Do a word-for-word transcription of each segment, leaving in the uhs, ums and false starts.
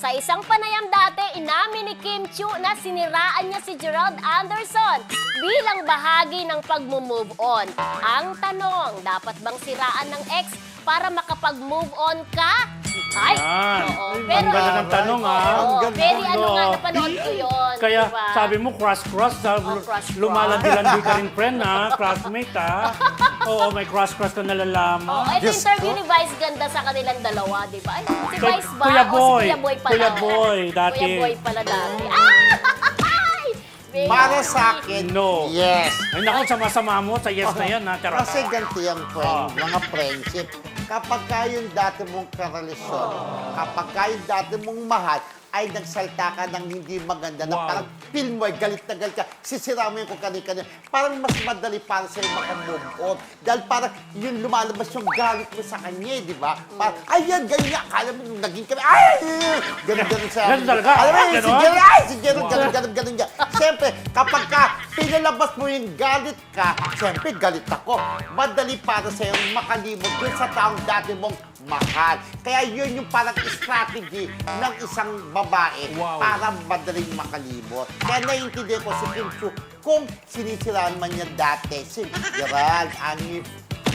Sa isang panayam dati, inamin ni Kim Chiu na siniraan niya si Gerald Anderson bilang bahagi ng pag-move on. Ang tanong, dapat bang siraan ng ex para makapag-move on ka? Ay, Yan. oo. Ang Pero, ganda ng tanong, ah. oo, Ang ganda. very ano nga, Oo. napanood ko yun. Kaya diba? sabi mo, cross-cross, Oh, cross-cross. lumalandi-landi ka rin friend ha, classmate ha. Oo, may cross-cross ka Oh, nalalaman. ito Diyos interview ko. ni Vice ganda sa kanilang dalawa, di ba? Ay, si Kay- Vice ba? Kuya O Boy. si Kuya Boy pala. Kuya Boy, dati. Kuya Boy pala dati. Ah! Baby. Para sa akin, No. yes. Ay naku, sama-sama mo sa yes na yan ha. Tara. Kasi ganito yung friend, Ah. mga friendship. Kapag ka yung dati mong karelasyon, kapag ka yung dati mong mahal, ay nagsalta ka ng hindi maganda na Wow. parang feel mo, eh, galit na galit ka, sisira mo yung kung kani-kani. Parang mas madali para sa'yo makamove on. Dahil parang yung lumalabas yung galit mo sa kanya, eh, di ba? Parang, ayan, ganyan. Akala mo nung naging kami, ay! Ganun-ganun sa... Ganun talaga? Alam mo, Ah, si ganon? Gerald, ay, si Gerald, ganun, ganun, ganun niya. Siyempre, kapag ka pinalabas mo yung galit ka, siyempre, galit ako. Madali para sa'yo makalimot dun sa taong dati mong mahal. Kaya yun yung parang strategy ng isang babae Wow. para madaling makalimot. Kaya naiintindihan ko si Kim Chiu kung sinisiraan man niya dati si Gerald. Ani,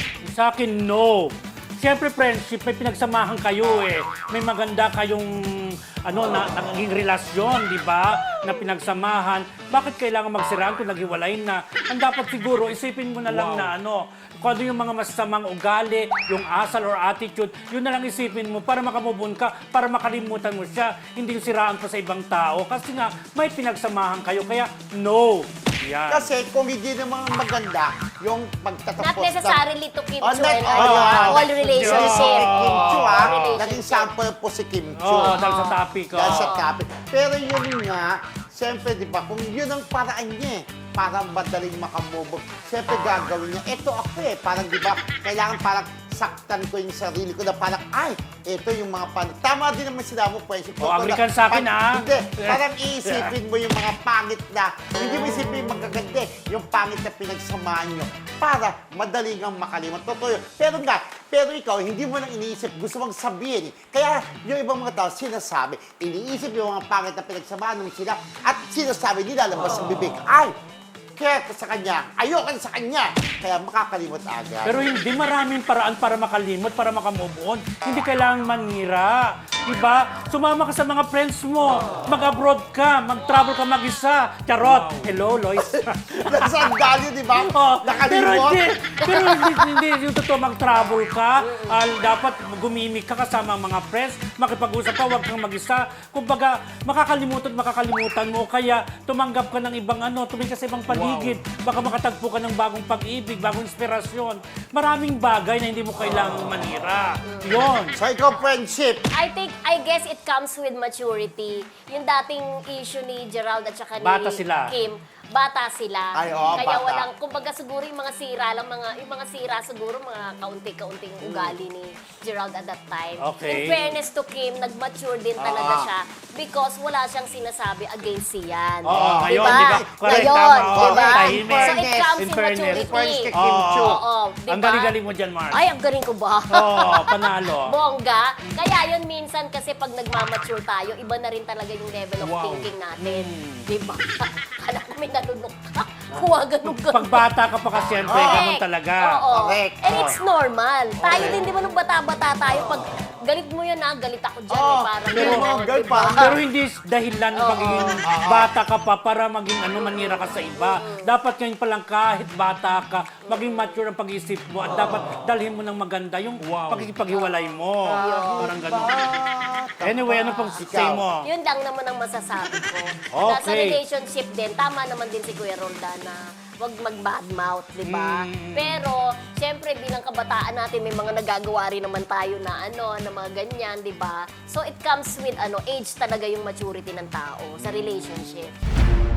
Sa akin, no. Siyempre, friendship, may pinagsamahan kayo eh. May maganda kayong ano, na, naging relasyon, di ba? Na pinagsamahan. Bakit kailangan magsiraan kung naghiwalay na? Ang dapat siguro, isipin mo na lang na ano, kung ano yung mga masamang ugali, yung asal or attitude, yun na lang isipin mo para makamubon ka, para makalimutan mo siya. Hindi yung siraan pa sa ibang tao. Kasi nga, may pinagsamahan kayo. Kaya, no. Yan. kasi kung hindi naman maganda yung pagtatapos Not necessarily to Kim Oh, Chiu not- and oh, ano, yeah. all relationship. Si Kim Chiu, Oh, ah. relationship. Naging sample po si Kim Chiu. Oo, dahil sa topic. Dahil oo. sa topic. Pero yun nga, siyempre, di ba, kung yun ang paraan niya, eh, para madaling makamove. Siyempre, gagawin niya. Ito ako eh, parang di ba, kailangan parang saktan ko yung sarili ko na parang, ay, ito yung mga pan... Tama din naman sila mo, friendship. Oh, agree ka sa akin, ah. Hindi, parang iisipin mo yung mga pangit na, hindi mo isipin yung magaganda, eh, yung pangit na pinagsamahan nyo para madaling ang makalimot. Totoo yun. Pero nga, pero ikaw, hindi mo nang iniisip, gusto mong sabihin. Eh. Kaya yung ibang mga tao, sinasabi, iniisip yung mga pangit na pinagsamahan mo sila at sinasabi nila, labas sa bibig, ay, kaya sa kanya, ayoko sa kanya. Kaya makakalimot agad. Pero hindi maraming paraan para makalimot, para makamove on. Hindi kailangan manira. Diba? Sumama ka sa mga friends mo. Mag-abroad ka. Mag-travel ka mag-isa. Charot. Hello, Lois. Nagsandali, di ba? Oh, pero Nakalimot. hindi, pero hindi, hindi yung totoo mag-travel ka. Ah, dapat gumimik ka kasama ang mga friends. Makipag-usap ka, huwag kang mag-isa. Kumbaga, makakalimutan, makakalimutan mo. Kaya tumanggap ka ng ibang ano, tumingin ka sa ibang paligid. Baka makatagpo ka ng bagong pag-ibig, bagong inspirasyon. Maraming bagay na hindi mo kailangang manira. Yun. So ikaw, friendship, I think, I guess it comes with maturity. Yung dating issue ni Gerald at saka ni Bata sila. Kim, bata sila. Ay, oo, Kaya bata. walang, kumbaga siguro yung mga sira lang, mga, yung mga sira siguro mga kaunti-kaunting ugali ni Gerald at that time. In Okay. fairness to Kim, nag-mature din talaga Ah. siya because wala siyang sinasabi against siyan. Oo, ngayon, Diba? di ba? Correct, Ngayon, tama, oo, diba? tahimik. So it comes In in, fairness. maturity. in fairness kay Kim Oo. Chiu. Oo, diba? Ang galing-galing mo dyan, Mars. Ay, ang galing ko ba? Oo, panalo. Bongga. Kaya yun minsan kasi pag nagmamature tayo, iba na rin talaga yung level of Wow. thinking natin. Mm. Di ba? Kala ko may nalunok ka. Kuha ganun ganun. Pag bata ka pa kasi, siyempre, Correct. ganun talaga. Oo. Correct. And it's normal. Tayo Okay. din, di ba, nung bata-bata tayo, pag galit mo yan, ha, galit ako dyan. Oo. eh, parang Pero gano'n, mga girl, di ba? parang- Pero hindi dahilan ng Oo. pagiging bata ka pa para maging ano manira ka sa iba. Dapat ngayon pa lang kahit bata ka, maging mature ang pag-iisip mo at dapat dalhin mo ng maganda yung pagkikipaghiwalay mo. Parang gano'n. Anyway, ano pang say mo? Yun lang naman ang masasabi ko. Na sa Okay. relationship din, tama naman din si Kuya Roldan na wag mag-badmouth, di ba? Mm. Pero, syempre, bilang kabataan natin, may mga nagagawa rin naman tayo na ano, na mga ganyan, di ba? So, it comes with ano age talaga yung maturity ng tao sa relationship.